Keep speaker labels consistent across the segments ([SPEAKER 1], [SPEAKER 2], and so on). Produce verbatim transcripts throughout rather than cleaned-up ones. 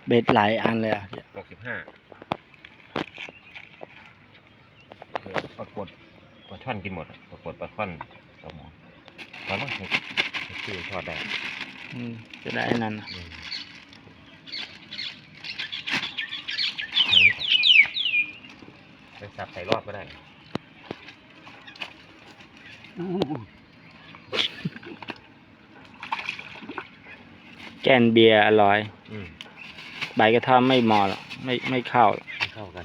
[SPEAKER 1] เบ็ดหลายอันเลยอ่ะ
[SPEAKER 2] หกสิบห้าปรากฏปลาช่อนกินหมดปรากฏปลาช่อนปลาหมอปลาหมอคือทอดได้
[SPEAKER 1] จะได้นั่น
[SPEAKER 2] ไปสับใส่รอบก็ได้
[SPEAKER 1] แกนเบียร์อร่อย
[SPEAKER 2] อืม
[SPEAKER 1] ใบกระท่อมไม่เหมาะหรอกไม่ไม่เข้าหรอก
[SPEAKER 2] ไม่เข้ากัน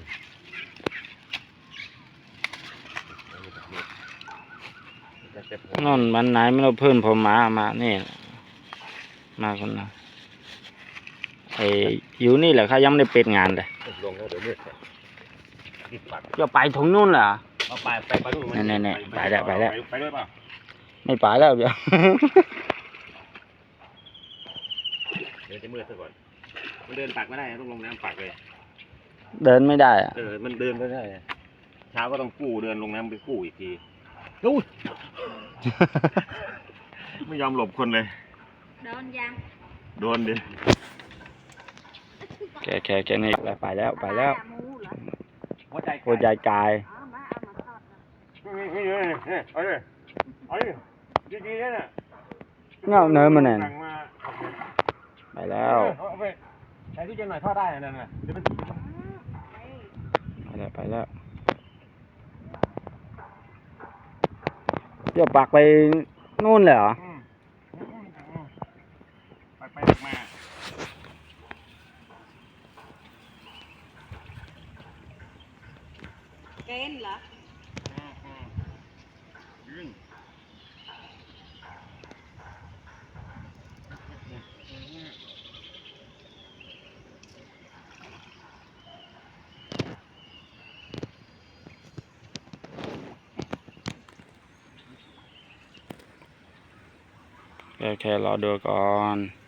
[SPEAKER 1] นอนวันไหนไม่รู้เพื่อนผมมามานี่มาคนนะไอ้อยู่นี่แหละเขายังไม่ได้ปิดงานเลย
[SPEAKER 2] ลงแล้วเดี๋ยวมืด
[SPEAKER 1] จะไปถึงนู่นเหรอ
[SPEAKER 2] เอาไปไปไปนู่น
[SPEAKER 1] แน่แน่ไปแล้วไปแล้ว
[SPEAKER 2] ไปด้วยเปล่า
[SPEAKER 1] ไม่ไปแล้วเดี๋ยว
[SPEAKER 2] เดี๋ยวจะมืดซะก่อนมันเดินปักไม่ได้ต้องลงน้ำปักเลย
[SPEAKER 1] เดินไม่ได้อะ
[SPEAKER 2] เออมันเดินไม่ได้เช้าก็ต้องกู้เดินลงน้ำไปกู้อีกทีดูไม่ยอมหลบคนเลย
[SPEAKER 3] โดนยัง
[SPEAKER 2] โดนดิ
[SPEAKER 1] แกแกแกนี่ไปแล้วไปแล้ว
[SPEAKER 2] หัวใจ
[SPEAKER 1] หัวใจกาย
[SPEAKER 2] เอาเลยเอาเลยดีๆนั่นน่ะ
[SPEAKER 1] เงาเนื้อมันเนี่ยไปแล้ว
[SPEAKER 2] ใส่ที่เจนหน่อยทอดได้นั่นน่ะเดี๋ยวมัน
[SPEAKER 1] ไปแล้วไปแล้วเดี๋ยวปักไปนู่นเลยเหรอ
[SPEAKER 2] ปักไปมา
[SPEAKER 3] เกณฑ์เหรอ
[SPEAKER 1] แค่แค่รอดูก่อน